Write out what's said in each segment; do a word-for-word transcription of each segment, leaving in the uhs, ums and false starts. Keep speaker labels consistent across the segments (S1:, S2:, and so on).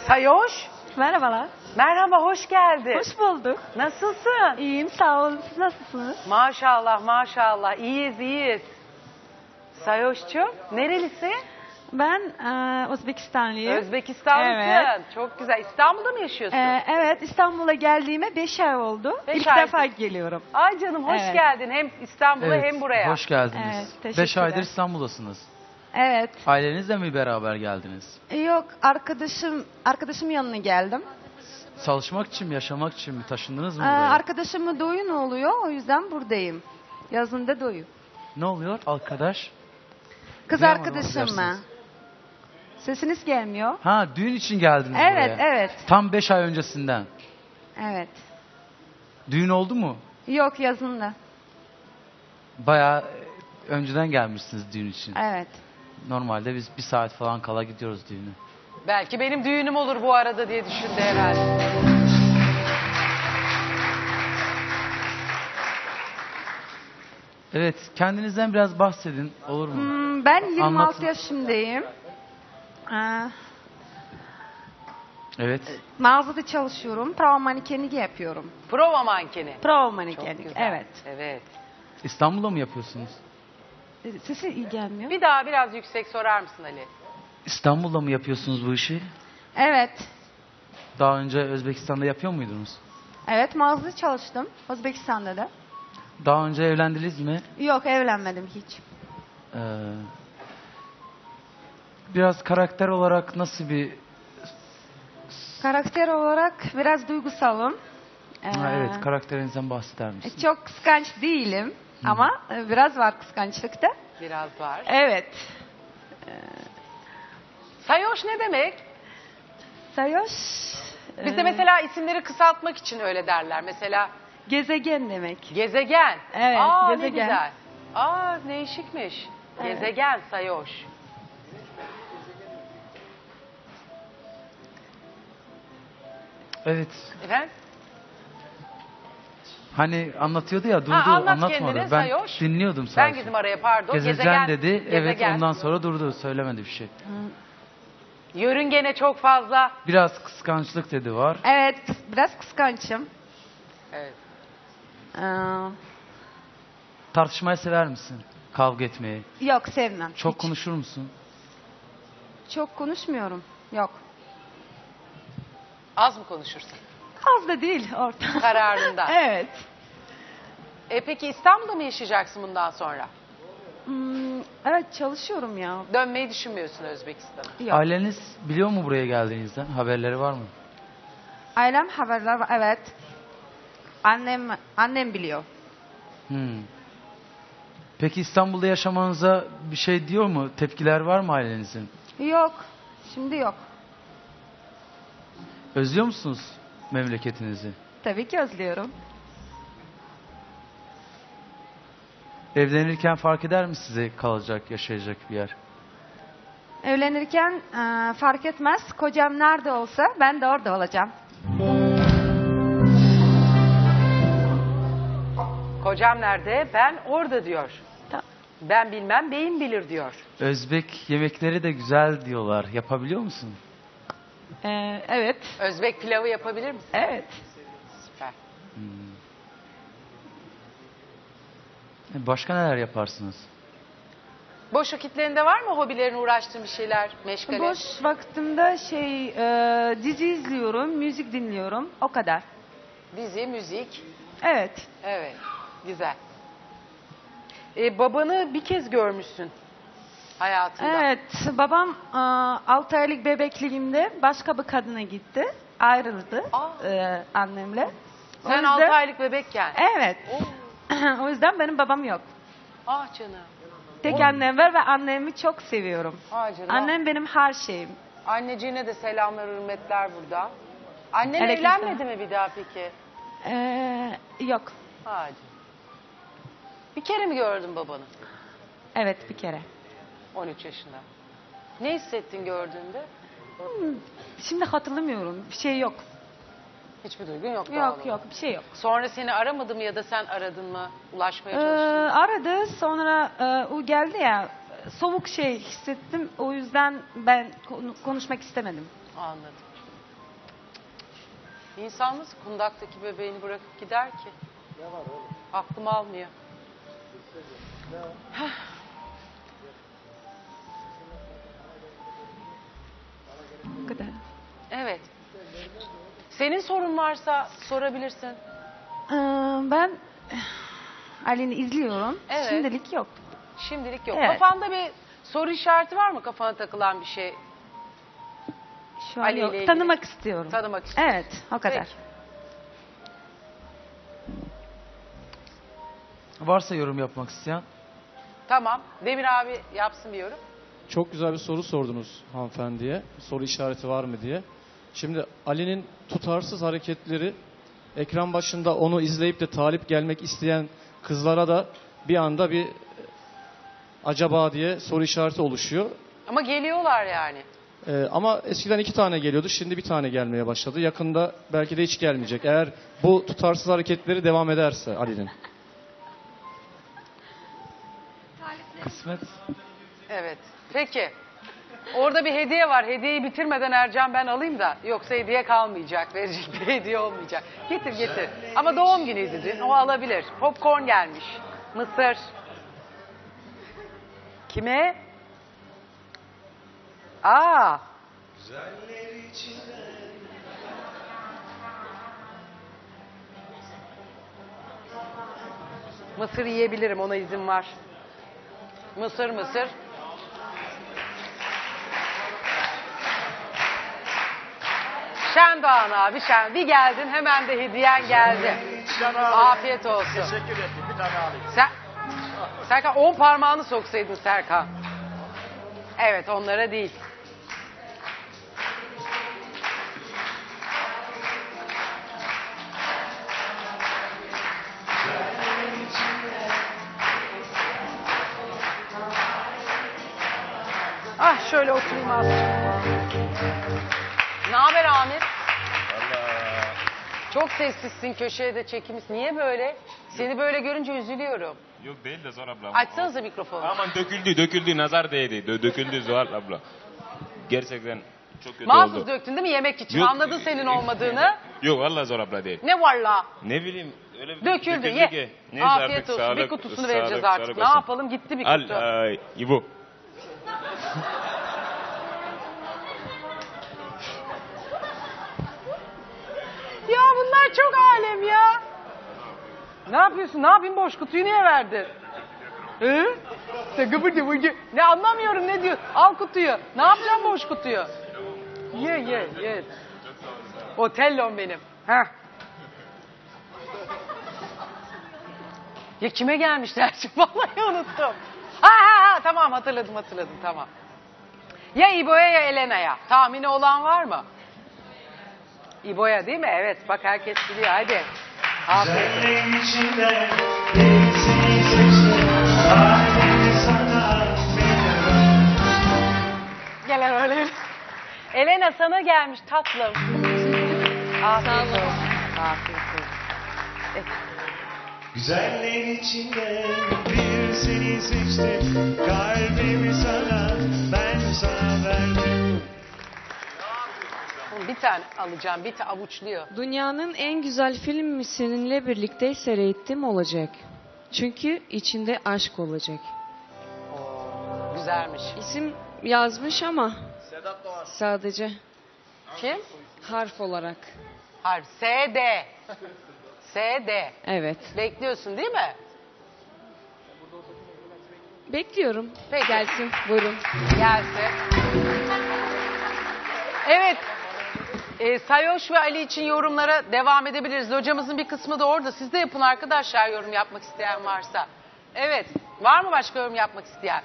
S1: Sayoş.
S2: Merhabalar.
S1: Merhaba, hoş geldin.
S2: Hoş bulduk.
S1: Nasılsın?
S2: İyiyim, sağ olun. Siz nasılsınız?
S1: Maşallah, maşallah. İyiyiz, iyiyiz. Sayoş'cum, nerelisin?
S2: Ben e, Özbekistanlıyım.
S1: Özbekistanlısın.
S2: Evet.
S1: Çok güzel. İstanbul'da mı yaşıyorsun?
S2: E, evet, İstanbul'a geldiğime beş ay oldu.
S1: Beş
S2: İlk
S1: ay.
S2: defa geliyorum.
S1: Ay canım, hoş
S2: Evet.
S1: geldin. Hem İstanbul'a
S3: Evet,
S1: hem buraya.
S3: hoş geldiniz.
S2: Evet, teşekkürler.
S3: Beş aydır İstanbul'dasınız.
S2: Evet.
S3: Ailenizle mi beraber geldiniz?
S2: E, Yok, arkadaşım arkadaşım yanına geldim.
S3: Çalışmak için mi, yaşamak için mi? Taşındınız mı
S2: E,
S3: buraya?
S2: arkadaşımın düğün oluyor, o yüzden buradayım. Yazında düğün.
S3: Ne oluyor arkadaş?
S2: Kız
S3: Duyamadım,
S2: arkadaşım mı?
S3: affedersiniz.
S2: Sesiniz gelmiyor.
S3: Ha, düğün için geldiniz
S2: Evet,
S3: buraya.
S2: evet.
S3: Tam beş ay öncesinden.
S2: Evet.
S3: Düğün oldu mu?
S2: Yok, yazında.
S3: Bayağı e, önceden gelmişsiniz düğün için.
S2: Evet.
S3: Normalde biz bir saat falan kala gidiyoruz düğüne.
S1: Belki benim düğünüm olur bu arada diye düşündü herhalde.
S3: Evet, kendinizden biraz bahsedin, olur mu?
S2: Hmm, ben yirmi altı
S3: Anlatın.
S2: yaşındayım. Ee,
S3: Evet.
S2: mağazada çalışıyorum. Prova mankenliği yapıyorum.
S1: Prova mankeni.
S2: Prova
S1: Çok
S2: mankenlik.
S1: güzel.
S2: Evet.
S1: Evet.
S3: İstanbul'da mı yapıyorsunuz?
S2: Ee, Sesi iyi gelmiyor.
S1: Bir daha biraz yüksek sorar mısın Ali?
S3: İstanbul'da mı yapıyorsunuz bu işi?
S2: Evet.
S3: Daha önce Özbekistan'da yapıyor muydunuz?
S2: Evet, mağazada çalıştım. Özbekistan'da da.
S3: Daha önce evlendiniz mi?
S2: Yok, evlenmedim hiç.
S3: Ee, biraz karakter olarak nasıl bir...
S2: Karakter olarak biraz duygusalım. Ee,
S3: Ha, evet, karakterinizden bahseder misiniz?
S2: Çok kıskanç değilim. Ama e, biraz var kıskançlıkta.
S1: Biraz var.
S2: Evet.
S1: Sayoş ne demek?
S2: Sayoş.
S1: Bizde
S2: e,
S1: mesela isimleri kısaltmak için öyle derler. Mesela
S2: gezegen demek.
S1: gezegen.
S2: Evet,
S1: Aa,
S2: gezegen.
S1: ne güzel. Aa, değişikmiş.
S2: Evet.
S1: Gezegen Sayoş.
S3: Evet.
S1: Efendim?
S3: Hani anlatıyordu ya, durdu,
S1: Ha, anlat
S3: anlatmadı.
S1: kendini,
S3: Ben
S1: Sayoş.
S3: dinliyordum sadece.
S1: Ben girdim araya, pardon.
S3: Gezegen dedi, evet,
S1: gezegen.
S3: ondan sonra durdu, söylemedi bir şey.
S1: Yörüngene çok fazla.
S3: Biraz kıskançlık dedi var.
S2: Evet, kıs- biraz kıskançım.
S1: Evet.
S2: Ee,
S3: Tartışmayı sever misin? Kavga etmeyi.
S2: yok, sevmem.
S3: Çok
S2: Hiç.
S3: konuşur musun?
S2: Çok konuşmuyorum. Yok.
S1: Az mı konuşursun?
S2: Az da değil orta.
S1: Kararında.
S2: Evet.
S1: E peki İstanbul'da mı yaşayacaksın bundan sonra?
S2: Hmm, evet, çalışıyorum ya.
S1: Dönmeyi düşünmüyorsun Özbekistan'a.
S2: Yok.
S3: Aileniz biliyor mu buraya geldiğinizden? Haberleri var mı?
S2: Ailem haberler var. Evet. Annem annem biliyor.
S3: Hmm. Peki İstanbul'da yaşamanıza bir şey diyor mu? Tepkiler var mı ailenizin?
S2: Yok. Şimdi yok.
S3: Özlüyor musunuz memleketinizi?
S2: Tabii ki özlüyorum.
S3: Evlenirken fark eder mi size kalacak, yaşayacak bir yer?
S2: Evlenirken e, fark etmez. Kocam nerede olsa ben de orada olacağım.
S1: Kocam nerede? Ben orada diyor.
S2: Ta-
S1: Ben bilmem, beyim bilir diyor.
S3: Özbek yemekleri de güzel diyorlar. Yapabiliyor musun?
S2: Ee, evet.
S1: Özbek pilavı yapabilir misin?
S2: Evet.
S1: Süper.
S3: Başka neler yaparsınız?
S1: Boş vakitlerinde var mı hobilerin, uğraştığın bir şeyler, meşgale?
S2: Boş vaktimde şey e, dizi izliyorum, müzik dinliyorum. O kadar.
S1: Dizi, müzik.
S2: Evet.
S1: Evet, güzel. E, babanı bir kez görmüşsün hayatında.
S2: Evet. Babam altı aylık bebekliğimde başka bir kadına gitti. Ayrıldı
S1: Aa.
S2: e, annemle. O
S1: Sen
S2: yüzden-
S1: altı aylık bebekken.
S2: Evet.
S1: Oo.
S2: O yüzden benim babam yok.
S1: Ah canım.
S2: Tek annem var ve annemi çok seviyorum.
S1: Ah canım.
S2: Annem benim her şeyim.
S1: Anneciğine de selamlar, hürmetler burada. Annen
S2: Aleykümselam.
S1: evlenmedi mi bir daha peki?
S2: Ee, yok.
S1: Hadi. Bir kere mi gördün babanı?
S2: Evet, bir kere.
S1: on üç yaşında. Ne hissettin gördüğünde?
S2: Hmm, Şimdi hatırlamıyorum. Bir şey yok.
S1: Hiçbir duygun yok. doğal
S2: Yok
S1: olarak.
S2: yok, bir şey yok.
S1: Sonra seni aramadı mı ya da sen aradın mı? Ulaşmaya
S2: Ee,
S1: çalıştın mı?
S2: aradı, sonra e, o geldi ya, soğuk şey hissettim. O yüzden ben konu- konuşmak istemedim.
S1: Anladım. İnsan nasıl kundaktaki bebeğini bırakıp gider ki? Ne var oğlum? Aklım almıyor.
S2: Bu kadar.
S1: Evet. Senin sorun varsa sorabilirsin.
S2: Ee, ben Ali'ni izliyorum.
S1: Evet.
S2: Şimdilik yok.
S1: Şimdilik yok.
S2: Evet.
S1: Kafanda bir soru işareti var mı? Kafana takılan bir şey
S2: Şu an
S1: Ali ile
S2: yok.
S1: ilgili.
S2: Tanımak istiyorum.
S1: tanımak istiyorsun.
S2: Evet, o kadar.
S1: Peki.
S3: Varsa yorum yapmak isteyen.
S1: Tamam. Demir abi yapsın bir yorum.
S4: Çok güzel bir soru sordunuz hanımefendiye. Soru işareti var mı diye. Şimdi Ali'nin tutarsız hareketleri ekran başında onu izleyip de talip gelmek isteyen kızlara da bir anda bir acaba diye soru işareti oluşuyor.
S1: Ama geliyorlar yani.
S4: Ee, ama eskiden iki tane geliyordu. Şimdi bir tane gelmeye başladı. Yakında belki de hiç gelmeyecek. Eğer bu tutarsız hareketleri devam ederse Ali'nin.
S3: Kısmet.
S1: Evet. Peki. Orada bir hediye var. Hediyeyi bitirmeden Ercan ben alayım da. Yoksa hediye kalmayacak. Verecek bir hediye olmayacak. Getir getir. Ama doğum günüydü dün. O alabilir. Popcorn gelmiş. Mısır. Kime? Aa. Mısır yiyebilirim. Ona izin var. Mısır mısır. Şendoğan abi Şen. Bir geldin hemen de hediyen geldi. Afiyet olsun.
S5: Teşekkür ederim. Bir tane alayım.
S1: Sen, Serkan on parmağını soksaydın Serkan. Evet onlara değil. Ah şöyle oturayım az. Ne haber Amir?
S5: Valla.
S1: Çok sessizsin köşeye de çekimiz. Niye böyle? Seni böyle görünce üzülüyorum.
S5: Yok değil de Zuhal abla.
S1: Açsanıza mikrofonu.
S5: Aman döküldü döküldü nazar değdi. Dö- döküldü Zuhal abla. Gerçekten çok kötü
S1: Mahsus
S5: oldu.
S1: döktün değil mi yemek için?
S5: Yok.
S1: Anladın senin olmadığını.
S5: Yok valla Zuhal abla değil.
S1: Ne var la?
S5: Ne bileyim öyle bir
S1: Döküldü
S5: döküldü
S1: ye.
S5: ki. Neyse
S1: Afiyet
S5: artık,
S1: olsun. bir
S5: sağlık,
S1: kutusunu
S5: sağlık,
S1: vereceğiz artık.
S5: sağlık
S1: Ne
S5: olsun.
S1: yapalım gitti bir kutu.
S5: Al ay, İbo.
S1: Ya bunlar çok alem ya. Ne yapıyorsun? Ne yapayım boş kutuyu niye verdin? Hı? Sen gıbırdı bıcı. Ne anlamıyorum ne diyor? Al kutuyu. Ne yapacağım boş kutuyu? Ye ye ye. Otellom benim. Heh. Ya kime gelmişler? Vallahi unuttum. Ha ha ha tamam hatırladım hatırladım tamam. Ya İbo'ya ya Elena'ya. Tahmini olan var mı? İbo'ya değil mi? Evet bak herkes biliyor hadi. Aferin.
S6: Güzelliğin içinde bir seni seçtim. Kalbimi sana veriyorum.
S1: Gelen öyle. Elena sana gelmiş tatlım. Afiyet olsun. Afiyet olsun. Evet.
S6: Güzelliğin içinde bir seni seçtim. Kalbimi sana, ben sana verdim.
S1: Oğlum bir tane alacağım. Bir tane avuçluyor.
S7: Dünyanın en güzel filmi seninle birlikte seyrettim olacak. Çünkü içinde aşk olacak.
S1: Oo, güzelmiş.
S7: İsim yazmış ama sadece
S1: Kim?
S7: harf olarak.
S1: Harf. S D. S D.
S7: Evet.
S1: Bekliyorsun değil mi?
S7: Bekliyorum.
S1: Peki.
S7: Gelsin. Buyurun.
S1: Gelsin. Evet. E, Sayoş ve Ali için yorumlara devam edebiliriz. Hocamızın bir kısmı da orada. Siz de yapın arkadaşlar yorum yapmak isteyen varsa. Evet. Var mı başka yorum yapmak isteyen?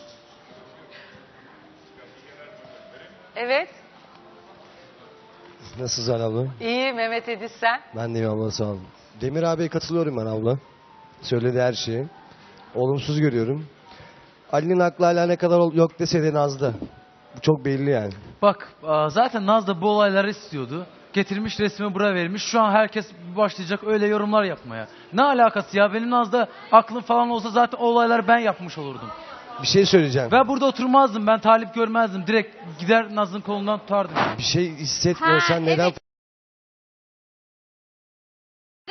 S1: Evet.
S8: Nasılsın abla?
S1: İyi Mehmet Ediz sen.
S8: Ben de iyiyim abla sağ olun. Demir abiye katılıyorum ben abla. Söylediği her şeyi. Olumsuz görüyorum. Ali'nin aklı hala ne kadar ol- yok dese de Naz'da. Bu çok belli yani.
S3: Bak aa, zaten Naz da bu olayları istiyordu. Getirmiş resmi buraya vermiş. Şu an herkes başlayacak öyle yorumlar yapmaya. Ne alakası ya? Benim Naz'da aklım falan olsa zaten o olayları ben yapmış olurdum.
S8: Bir şey söyleyeceğim.
S3: Ve burada oturmazdım. Ben talip görmezdim. Direkt gider Naz'ın kolundan tutardım.
S8: Bir şey hissetmiyorsan
S2: Ha,
S8: neden
S2: evet.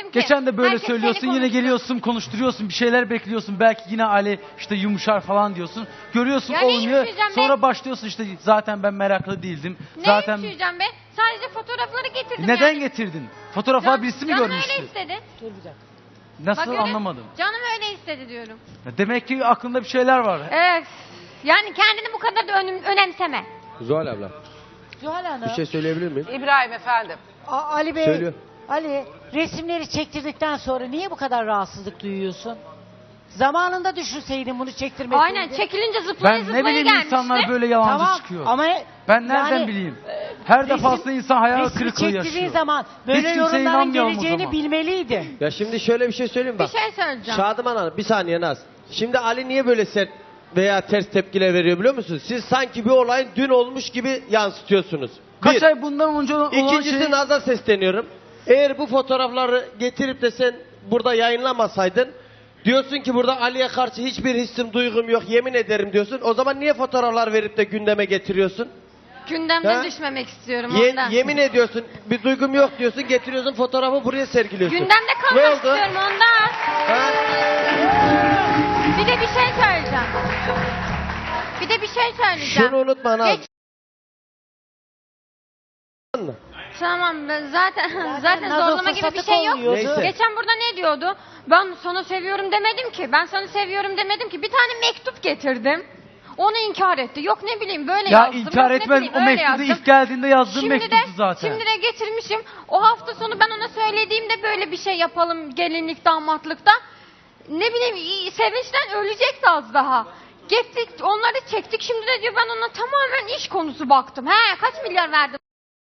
S3: Geçen de böyle
S2: Herkes seni
S3: söylüyorsun, yine
S2: konuştu.
S3: geliyorsun, konuşturuyorsun, bir şeyler bekliyorsun. Belki yine Ali işte yumuşar falan diyorsun. Görüyorsun
S2: Ya ne
S3: olmuyor.
S2: yumuşayacağım
S3: Sonra
S2: be?
S3: başlıyorsun işte zaten ben meraklı değildim.
S2: Ne
S3: zaten
S2: yumuşayacağım be? Sadece fotoğrafları getirdim
S3: neden
S2: yani.
S3: getirdin? Fotoğraflar
S2: Can-
S3: birisi mi
S2: canım
S3: görmüştü?
S2: öyle istedi.
S3: Nasıl
S2: Bak öyle-
S3: anlamadım.
S2: Canım öyle istedi diyorum.
S3: Demek ki aklında bir şeyler var.
S2: Evet. Yani kendini bu kadar da önüm- önemseme.
S8: Zuhal abla
S9: Zuhal Hanım.
S8: bir şey söyleyebilir miyim?
S1: İbrahim efendim.
S9: A- Ali Bey.
S8: Söylüyor.
S9: Ali, resimleri çektirdikten sonra niye bu kadar rahatsızlık duyuyorsun? Zamanında düşünseydin bunu çektirmeseydin.
S2: Aynen çekilince zıplaya
S3: Ben
S2: zıplaya
S3: ne bileyim
S2: gelmişti.
S3: insanlar böyle yalancı
S9: Tamam
S3: çıkıyor.
S9: ama
S3: Ben nereden
S9: yani,
S3: bileyim? Her
S9: resim-
S3: defasında insan hayal
S9: resmi
S3: kırıklığı
S9: çektirdiğin
S3: yaşıyor.
S9: zaman böyle
S3: Hiç kimseye
S9: yorumların
S3: inanmıyorum o
S9: geleceğini
S3: zaman.
S9: bilmeliydin.
S8: Ya şimdi şöyle bir şey söyleyeyim
S2: Bir
S8: bak.
S2: şey söyleyeceğim.
S8: Şadıman Hanım bir saniye Naz. Şimdi Ali niye böyle sert veya ters tepkiler veriyor biliyor musunuz? Siz sanki bir olayın dün olmuş gibi yansıtıyorsunuz.
S3: Kaç
S8: Bir.
S3: ay bundan önce olan
S8: İkincisi
S3: şey...
S8: Naz'a sesleniyorum. Eğer bu fotoğrafları getirip de sen burada yayınlamasaydın, diyorsun ki burada Ali'ye karşı hiçbir hissim, duygum yok, yemin ederim diyorsun. O zaman niye fotoğraflar verip de gündeme getiriyorsun?
S2: Gündemden
S8: Ha?
S2: düşmemek istiyorum
S8: Ye-
S2: ondan.
S8: yemin ediyorsun, bir duygum yok diyorsun, getiriyorsun fotoğrafı buraya sergiliyorsun.
S2: Gündemde
S8: Ne
S2: kalmak
S8: oldu?
S2: istiyorum ondan.
S8: Ha?
S2: Bir de bir şey söyleyeceğim. Bir de bir şey söyleyeceğim.
S8: Şunu unutma Naz.
S2: Geç- Tamam ben zaten zaten
S9: nazo
S2: zorlama gibi bir
S9: fırsatı
S2: şey yok.
S9: kolluyordu.
S8: Neyse.
S2: Geçen burada ne diyordu? Ben sana seviyorum demedim ki. Ben sana seviyorum demedim ki. Bir tane mektup getirdim. Onu inkar etti. Yok ne bileyim böyle
S3: Ya
S2: yazdım.
S3: inkar
S2: Yok ne
S3: etmez.
S2: bileyim,
S3: O
S2: öyle
S3: mektubu
S2: yazdım.
S3: ilk geldiğinde yazdığım
S2: Şimdi de,
S3: mektuptu zaten.
S2: şimdi de getirmişim. O hafta sonu ben ona söylediğimde böyle bir şey yapalım gelinlik damatlıkta. Ne bileyim i- sevinçten ölecekti az daha. Gittik onları çektik. Şimdi de diyor ben ona tamamen iş konusu baktım. He kaç milyar verdim.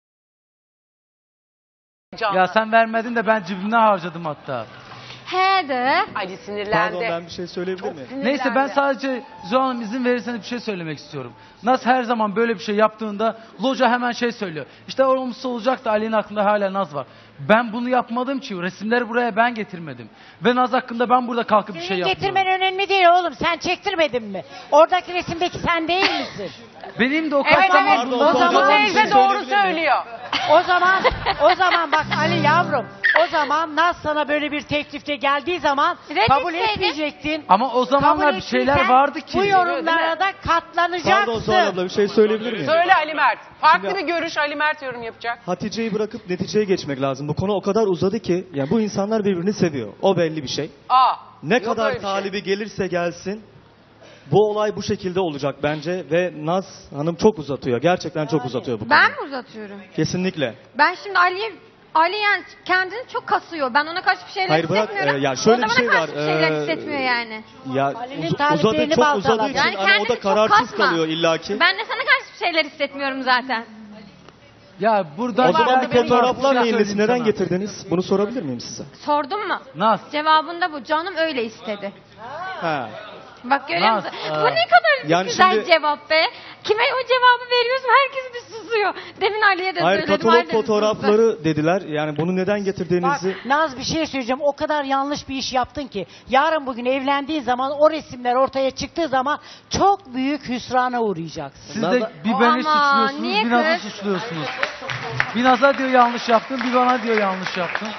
S1: Canlı.
S3: Ya sen vermedin de ben cebimden harcadım hatta.
S2: He de.
S1: Ali sinirlendi.
S10: Pardon ben bir şey söyleyebilir
S1: Çok
S10: miyim?
S1: sinirlendi.
S3: Neyse ben sadece Zuhal Hanım izin verirseniz bir şey söylemek istiyorum. Naz her zaman böyle bir şey yaptığında Loca hemen şey söylüyor. İşte olumsuz olacak da Ali'nin aklında hala Naz var. Ben bunu yapmadım ki. Resimleri buraya ben getirmedim. Ve Naz hakkında ben burada kalkıp bir şey
S9: Senin
S3: yapmıyorum.
S9: getirmen önemli değil oğlum. Sen çektirmedin mi? Oradaki resimdeki sen değil misin?
S3: Benim de o
S1: Evet
S3: kaç zaman
S1: evet.
S3: bundan
S1: O zaman
S3: sonra...
S10: bir
S1: teyze
S10: şey
S1: doğru
S10: söyleyebilir miyim?
S1: söylüyor.
S9: O zaman o zaman bak Ali yavrum. O zaman Naz sana böyle bir teklifte geldiği zaman
S2: Reddetseydin.
S9: kabul etmeyecektin.
S3: Ama o zamanlar
S9: Kabul
S3: bir şeyler
S9: ettiysen
S3: vardı ki.
S9: Bu yorumlara da katlanacaksın.
S10: Pardon Zuhal abla bir şey söyleyebilir miyim?
S1: Söyle Ali Mert. Farklı
S10: Şimdi-
S1: bir görüş Ali Mert yorum yapacak.
S10: Hatice'yi bırakıp neticeye geçmek lazım. Bu konu o kadar uzadı ki yani bu insanlar birbirini seviyor. O belli bir şey.
S1: Aa.
S10: Ne
S1: yok
S10: kadar
S1: öyle bir şey.
S10: talibi gelirse gelsin bu olay bu şekilde olacak bence ve Naz Hanım çok uzatıyor. Gerçekten çok uzatıyor bu
S2: Ben
S10: konuyu.
S2: mi uzatıyorum?
S10: Kesinlikle.
S2: Ben şimdi Ali'ye Ali yani kendini çok kasıyor. Ben ona karşı bir şeyler
S10: Hayır, bırak,
S2: hissetmiyorum.
S10: e, ya şöyle
S2: o da
S10: bir
S2: bana
S10: şey
S2: karşı
S10: var,
S2: bir şeyler
S10: e,
S2: hissetmiyor yani.
S10: Ya
S9: Ali'nin
S10: uz-
S9: taliplerini
S10: uzadı çok
S9: baltaladı.
S10: uzadığı için
S2: Yani
S10: hani o
S2: kendini
S10: da
S2: çok
S10: kararsız
S2: kasma.
S10: kalıyor illaki.
S2: Ben de sana karşı bir şeyler hissetmiyorum zaten.
S3: Ya buradan
S10: O zaman
S1: Vardı
S10: bu
S1: benim
S10: fotoğraflar
S3: bir şey
S10: neyin nesi?
S3: söyleyeyim
S10: Neden
S3: sana.
S10: getirdiniz? Bunu sorabilir miyim size?
S2: Sordun mu?
S3: Naz.
S2: Cevabında bu. Canım öyle istedi.
S10: Ha.
S2: Bak görüyor
S3: Naz,
S2: musun?
S3: e,
S2: Bu ne kadar
S10: yani
S2: güzel
S10: şimdi-
S2: cevap be. Kime o cevabı veriyorsun herkes bir susuyor. Demin Ali'ye de
S10: Hayır
S2: söyledim.
S10: katalog
S2: Ali de bir sustu.
S10: fotoğrafları dediler. Yani bunu neden
S9: Bak
S10: getirdiğinizi...
S9: Naz bir şey söyleyeceğim. O kadar yanlış bir iş yaptın ki. Yarın bugün evlendiğin zaman o resimler ortaya çıktığı zaman çok büyük hüsrana uğrayacaksın.
S3: Siz de
S8: Naz'a-
S3: bir beni
S2: Ama
S3: suçluyorsunuz,
S2: niye
S3: bir Naz'ı
S2: kız?
S3: suçluyorsunuz. Bir Naz'a diyor yanlış yaptın, bir bana diyor yanlış yaptın.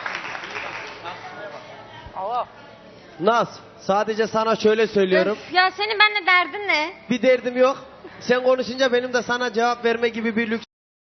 S1: Allah.
S8: Naz sadece sana şöyle söylüyorum.
S2: Öf, ya senin benimle derdin ne?
S8: Bir derdim yok. Sen konuşunca benim de sana cevap verme gibi bir lüks.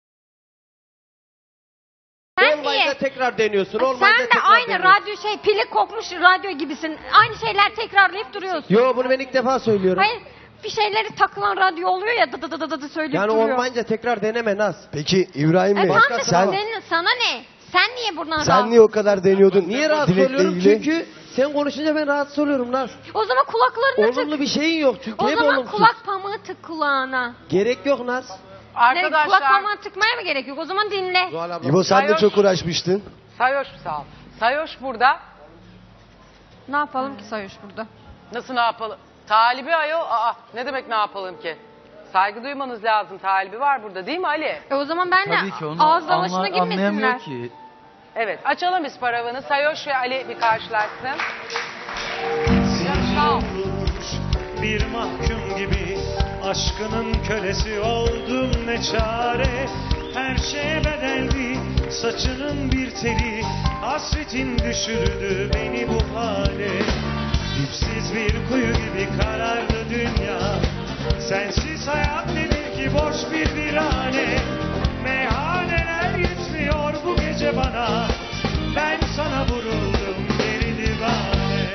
S2: Sen
S8: Olmayınca
S2: niye?
S8: tekrar deniyorsun. Olmayınca
S2: Sen de
S8: tekrar
S2: aynı
S8: deniyorsun.
S2: radyo şey pili kokmuş radyo gibisin. Aynı şeyler tekrarlayıp duruyorsun.
S8: Yo bunu ben ilk defa söylüyorum.
S2: Hayır bir şeyleri takılan radyo oluyor ya dı dı dı dı dı söyleyip
S8: Yani
S2: duruyor.
S8: olmayınca tekrar deneme Naz.
S11: Peki İbrahim Bey,
S2: E tamam da
S11: sen
S2: senin, sana ne? Sen niye buradan
S11: sen
S2: rahatsız?
S11: niye o kadar deniyordun?
S8: Niye rahatsız
S11: Dilek'le
S8: oluyorum?
S11: ilgili?
S8: Çünkü sen konuşunca ben rahatsız oluyorum Naz.
S2: O zaman kulaklarını tık.
S8: Olumlu bir şeyin yok çünkü
S2: O
S8: hep
S2: zaman
S8: olumsuz.
S2: kulak pamuğu tık kulağına.
S8: Gerek yok Naz.
S2: Ne,
S1: Arkadaşlar.
S2: kulak pamuğu tıkmaya mı gerek yok? O zaman dinle.
S8: Zuhal abla.
S11: İbo sen de
S1: Sayoş-
S11: çok uğraşmıştın.
S1: Sayoş sağ ol. Sayoş burada.
S2: Ne yapalım ki Sayış burada?
S1: Nasıl ne yapalım? Talibi ayol. Aa, ne demek ne yapalım ki? Saygı duymanız lazım. Talibi var burada değil mi Ali?
S2: E o zaman ben de
S3: Tabii ki onu
S2: ağız dalaşına
S3: anla-
S2: girmesinler.
S3: anlayamıyor ki.
S1: Evet. Açalım biz paravanı. Sayoş ve Ali bir karşılaşsın. Sağ ol.
S6: Bir mahkum gibi aşkının kölesi oldum ne çare. her şeye bedeldi. Saçının bir teli, hasretin düşürdü beni bu hale. Dipsiz bir kuyu gibi karardı dünya. Sensiz hayat nedir ki boş bir virane. Meyhaneler yetmiyor bu gece bana. Ben sana vuruldum deli divane.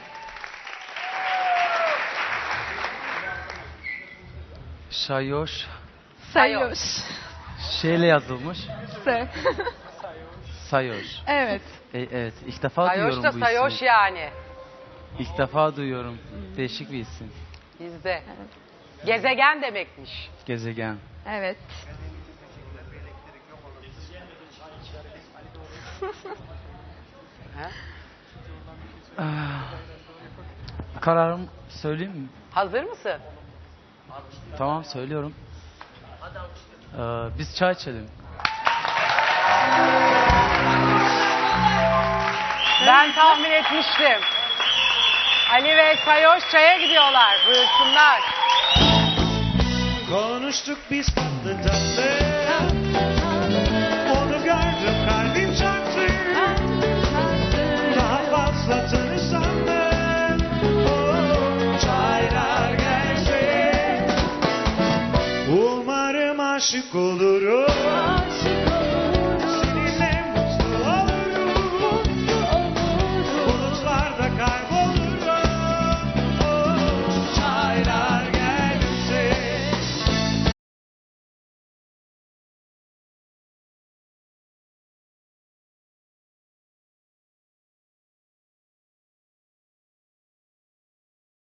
S3: Şayoş
S2: Sayoş.
S3: şeyle yazılmış.
S2: Se.
S3: Sayoş.
S2: Evet.
S3: E, evet ilk defa
S1: Sayoş
S3: duyuyorum
S1: da
S3: bu
S1: sayoş
S3: ismi.
S1: yani.
S3: İlk defa duyuyorum. Değişik bir isim.
S1: Bizde. Gezegen demekmiş.
S3: Gezegen.
S2: Evet.
S1: Ha?
S3: Ah. Kararım söyleyeyim mi?
S1: Hazır mısın?
S3: Tamam söylüyorum. Ee, biz çay içelim.
S1: Ben tahmin etmiştim. Ali ve Sayoş çaya gidiyorlar. Buyursunlar.
S6: Konuştuk biz tatlı tatlı. Onu gördüm kalbim çarptı. Daha fazla tanısam da oh, çaylar gelse. Umarım aşık olurum.